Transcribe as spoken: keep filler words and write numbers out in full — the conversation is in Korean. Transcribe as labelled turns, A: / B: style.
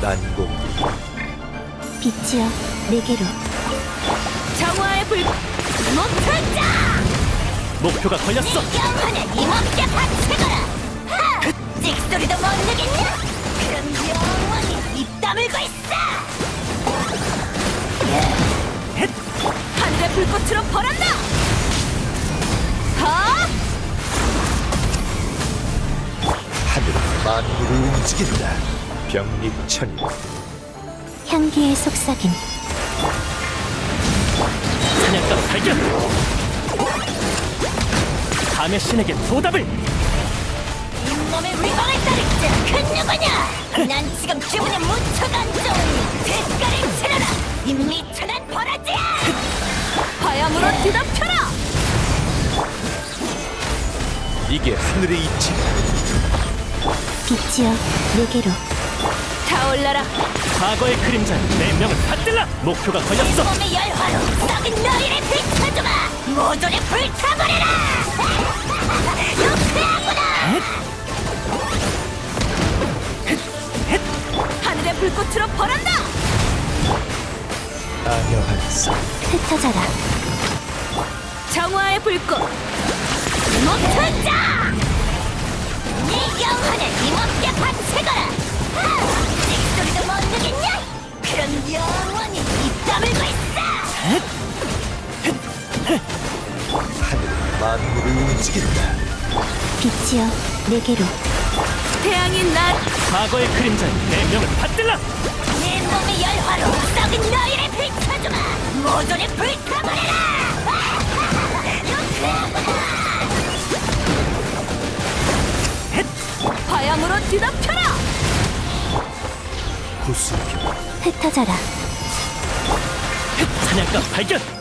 A: 반공.
B: 빛이여 내게로.
C: 정화의 불
D: 목표자!
A: 목표가 걸렸어.
D: 네 영혼을 이몸께 바치거라! 하! 찍소리도 못 내겠냐? 그럼 영원히 입 다물고 있어!
C: 하늘의 불꽃으로 벌한다. 하!
A: 하늘은 만물을 움직인다. 병립천이.
B: 향기의 속삭임.
A: 사냥감 발견. 밤의 신에게 보답을.
D: 잇몸의 위광을 따르자! 큰 누구냐! 난 지금 기분이 무척 안 좋으니 대가를 치러라! 이 미천한 버러지야!
C: 화염으로 뒤덮여라.
A: 이게 하늘의 이치.
B: 빛이여 내게로.
C: 타올라라.
A: 과거의 그림자에 내 명을 받들라. 목표가 걸렸어.
D: 잇몸의 열화로 썩은 너희를 비춰주마! 모조리 불타버려라! 유쾌하구나!
C: 하늘의 불꽃으로 벌한다.
A: 안녕하세요.
B: 흩어져라.
C: 정화의 불꽃.
D: 목표자! 네 영혼을 이몸께 바치거라! 하! 찍소리도 못 내겠냐? 그럼 영원히 입 다물고 있어!
A: 하늘은 만물을 움직인다.
B: 빛이여 내게로.
C: 태양인 날.
A: 과거의 그림자에 내 명을 받들라.
D: 내 몸의 열화로 썩은 너희를 비춰주마! 모조리 불타버려라!
C: 화염으로 뒤덮여라.
A: 구수표.
B: 흩어져라.
A: 사냥감 발견.